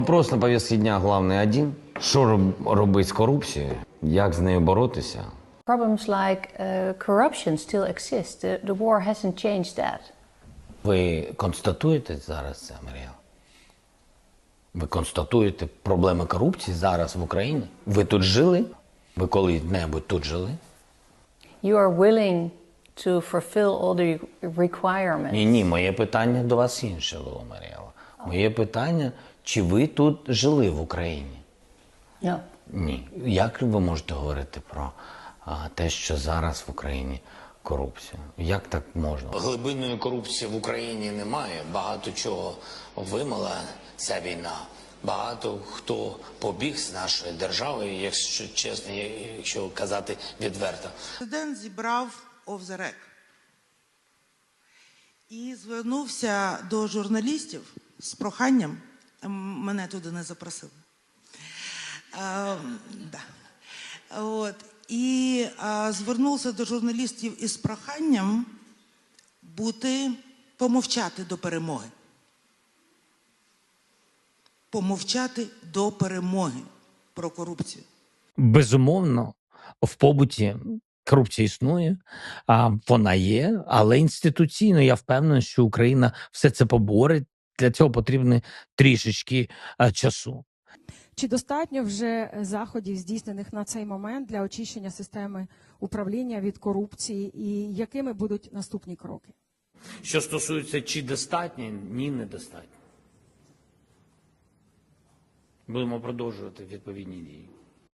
Вопрос на повестке дня главный один. Що робити з корупцією? Як з нею боротися? Problems like corruption still exist. The war hasn't changed that. Ви констатуєте зараз це, Марія? Ви констатуєте проблеми корупції зараз в Україні? Ви тут жили? Ви коли-небудь тут жили? You are willing to fulfill all the requirements. Ні, моє питання до вас інше було, Маріела. Моє питання, чи ви тут жили в Україні? No. Ні. Як ви можете говорити про те, що зараз в Україні корупція? Як так можна? Глибинної корупції в Україні немає. Багато чого вимила ця війна. Багато хто побіг з нашої держави, якщо чесно, якщо казати відверто. Президент зібрав off the record і звернувся до журналістів з проханням, мене туди не запросили. І звернувся до журналістів із проханням помовчати до перемоги. Помовчати до перемоги про корупцію. Безумовно, в побуті корупція існує, вона є, але інституційно я впевнений, що Україна все це поборить. Для цього потрібно трішечки часу. Чи достатньо вже заходів, здійснених на цей момент для очищення системи управління від корупції, і якими будуть наступні кроки? Що стосується, чи достатньо? Ні, недостатньо. Будемо продовжувати відповідні дії.